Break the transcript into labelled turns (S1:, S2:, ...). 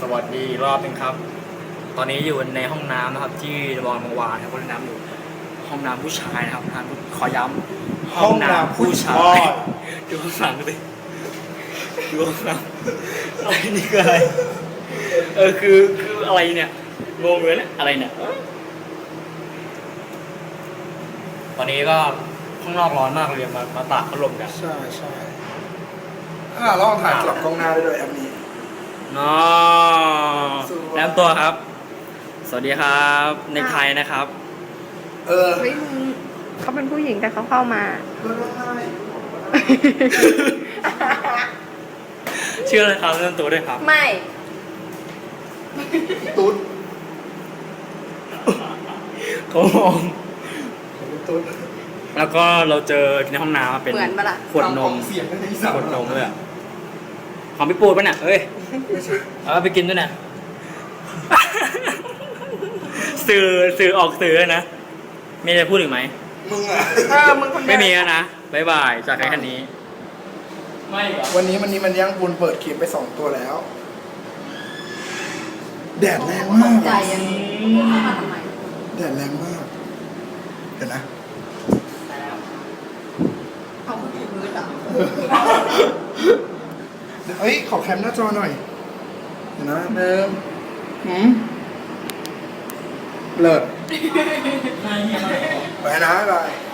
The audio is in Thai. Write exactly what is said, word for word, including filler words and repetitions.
S1: สวัสดีรอบนึงครับ ตอนนี้อยู่ในห้องน้ำนะครับที่ระบางวานครับห้องน้ำอยู่ห้องน้ำผู้ชายนะครับห้องน้ำขอย้ำห้องน้ำผู้ชายดูข้างหลังสิดูข้างหลังอะไรนี่คืออะไรเออคือคืออะไรเนี่ยงงเลยเนี่ยอะไรเนี่ยตอนนี้ก็ข้างนอกร้อนมากเลยมามาตากพัดลมกัน
S2: ใช่ใช่อ่าลองถ่ายกลับกล้องหน้าได้ด้วยแอปนี้
S1: น้อแนะนำตัวครับ สวัสดีครับในไทยนะครับ
S2: เออ
S3: เฮ้ยมึงเขาเป็นผู้หญิงแต่เขาเข้ามา
S1: ชื่ออะไรครับแนะนำตัวด้วยครับ
S3: ไม่
S2: ตุ๊ด
S1: เขามอง
S2: ตุ๊ด
S1: แล้วก็เราเจอในห้องน้ำเป็น
S3: เหมือนปะล่ะ
S1: ขวดนม
S2: เสียงในอีสาน
S1: ขวดนมเลยอะของพี่ปูดปะเนี่ยเอ้ยเอาไปกินด้วยนะ สื่อสื่อออกสื่อนะมีอะไรพูดอีกไหม
S2: มึงอ่ะ
S3: เออมึงคนเดียว
S1: ไม่มีแล้วนะบ๊ายบายจากใครคันนี้ ไม่เหรอ
S2: วันนี้วันนี้มันย่างปูนเปิดคลิปไปสองตัวแล้ว แดดแรงมาก
S3: ใจยังเข้ามาทำไม
S2: แดดแรงมาก เดี๋ยวนะ
S3: เขาพูดถึงพื้นเหรอ
S2: เฮ้ย ขอแคมหน้าจอหน่อย เดี๋ยวนะเดิมหืมเลิศ
S1: ไม่ไม่ไม่
S2: ไปนะบาย